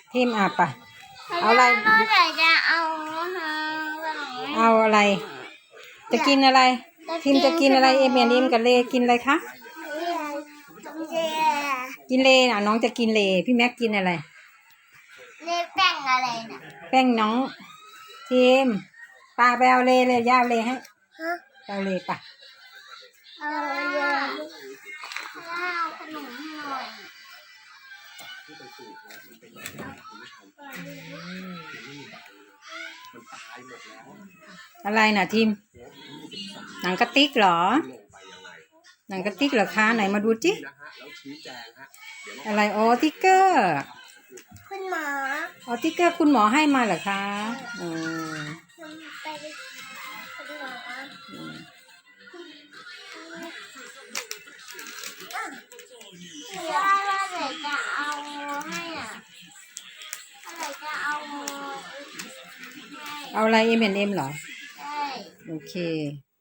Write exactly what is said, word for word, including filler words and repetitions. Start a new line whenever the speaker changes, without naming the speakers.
ทีมอ่ะปะเอาอะไร
เมื่อไหร่จะเอาฮะ
เอาอะไร จะกินอะไร ทีมจะกินอะไรเอเมียนอิมกับเลกินอะไรคะกินเลอ่ะน้องจะกินเลพี่แม็กกินอะไร
เลแป้งอะไรน่ะ
แป้งน้องทีมปลาไปเอาเลเลยย่าเลให้
ฮะ
เอาเลปะ
เอาเยอะเอาขนมให้หน่อย
อะไรน่ะทีมหนังกระติกเหรอหนังกระติกเหรอคะไหนมาดูจิอะไรอ๋อติ๊กเกอร์
คุณหมอ
อ๋อติ๊กเกอร์คุณหมอให้มาเหรอคะอืม
ไปคุณหมอว่าว่าไหนจะเอาให้อ่ะอะไรจะเอาให้
เอาอะไรเอ็มเอ็นเอ็มเหรอ
ใช่
โอเค